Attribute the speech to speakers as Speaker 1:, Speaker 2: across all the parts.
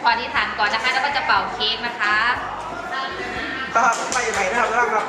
Speaker 1: ออธิษฐานก่อนนะคะแล้วก็จะเป่าเค้กนะคะ
Speaker 2: ครับไปไหนนะครับครับ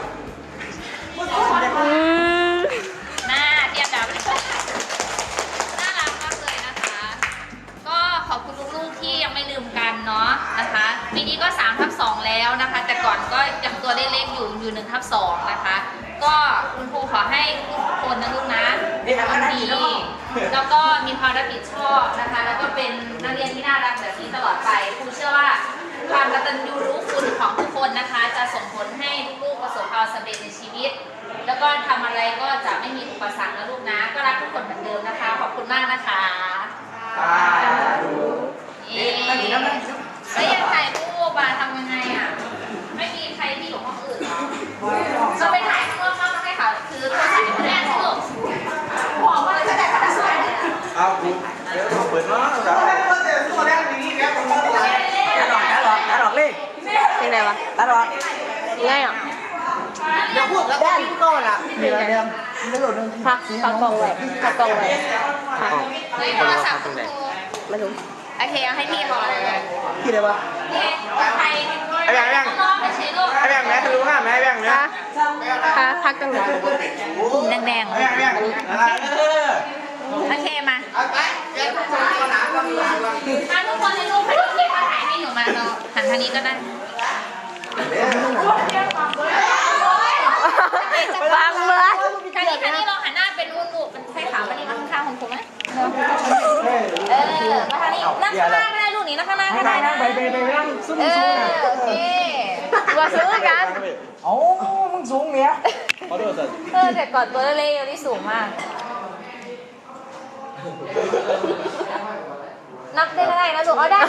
Speaker 1: หน้าเทียบดับน่ารักมากเลยนะคะ ก็ขอบคุณลูกๆที่ยังไม่ลืมกันเนาะนะคะปีนี้ก็3/2แล้วนะคะ แต่ก่อนก็ยังตัวเล็กๆอยู่1/2นะคะก็คุณครูขอให้ทุกคนนะลูกนะเป็นคนดีแล้วก็มีความรับผิดชอบนะคะแล้วก็เป็นนักเรียนที่น่ารักแบบนี้ตลอดไปครูเชื่อว่าความกตัญญูรู้คุณของทุกคนนะคะจะส่งผลให้ลูกๆประสบความสำเร็จในชีวิตแล้วก็ทำอะไรก็จะไม่มีอุปสรรคนะลูกนะก็รักทุกคนเหมือนเดิมนะคะขอบคุณมากนะคะแล้วยังถ่ายรูปทำยังไงอ่ะไม่มีใครที่อยู่ห้องอื่นหรอจะไปถ่ายเพื่อมาให้เขาคือโทรศัพท์อยู่แน่สนุกบอกว่าจะได้กระดาษอะไรเนี่ย
Speaker 2: เอาเดี๋ยวเราเปิดเนาะครับตัดออกเลข
Speaker 3: ยังไงวะ
Speaker 2: ตัดออก
Speaker 3: ง่ายอ่ะ
Speaker 2: เดี๋ยวพูดแล้วกินก่อนอ่ะเดี๋ยวไม่หลุดนึง
Speaker 3: พักกล่องไว้พักกล่องไว้
Speaker 1: เฮ้ยโทรศัพท์คุณครู
Speaker 3: ไม่รู้
Speaker 1: โอเคเอาให้พี่พอเลย
Speaker 2: พี่ได้ปะ
Speaker 1: นี่ใคร
Speaker 2: ไอ้แบงค์
Speaker 1: น้องไปใช้ลูก
Speaker 2: ไอ้แบงค์แม่ทะลุห้าแม่แบงค์เนี่ย
Speaker 3: พักตรงไหน
Speaker 1: ปุ่มแดงๆโอเคมาทุกคนให้ลูกให้ลูกที่เขาถ่ายให้หนูมาเราหันทางนี้ก็ได้
Speaker 3: วางเมื่อ
Speaker 1: ทางนี้ลองหันหน้าเป็นลูกเป็นไข่ขาวมานี่มาข้างๆของผมไหมมาทางนี้นั่งข้างหน้าก็ได้ลูกนี้นั่งข้างหน้าก็ได้นะ
Speaker 2: ไปนั่งซุ่ม
Speaker 1: โอเค
Speaker 3: ตัวสูงกัน
Speaker 2: โอ้มึงสูงเนี่ย
Speaker 1: แต่ก่อนตัวเล็กๆนี่สูงมากนับได้ก็ได้นะลูกเอาได้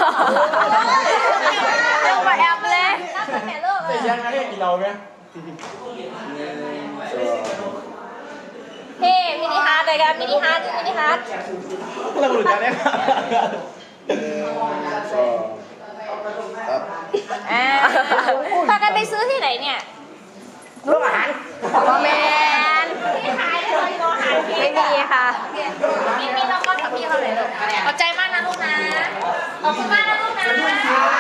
Speaker 3: เร็วกว่าแอปเลย
Speaker 1: นับเป็นแม่ลูกเลย
Speaker 2: ยังไงกี่เราไหม
Speaker 1: เฮ้มินิฮาร์ดเลยกันมินิฮาร์ด
Speaker 2: เราหลุดจากเนี่ย
Speaker 1: พากันไปซื้อที่ไหนเนี่ย
Speaker 2: โรงอาหาร
Speaker 3: พ่อแมน
Speaker 1: ที่ขายได้เลยโรงอาหาร
Speaker 3: ไม่มีค่ะ
Speaker 1: มีน้องก้อนกับพี่เขาเลยลูกขอบใจมากนะลูกนะขอบคุณมากนะลูกนะ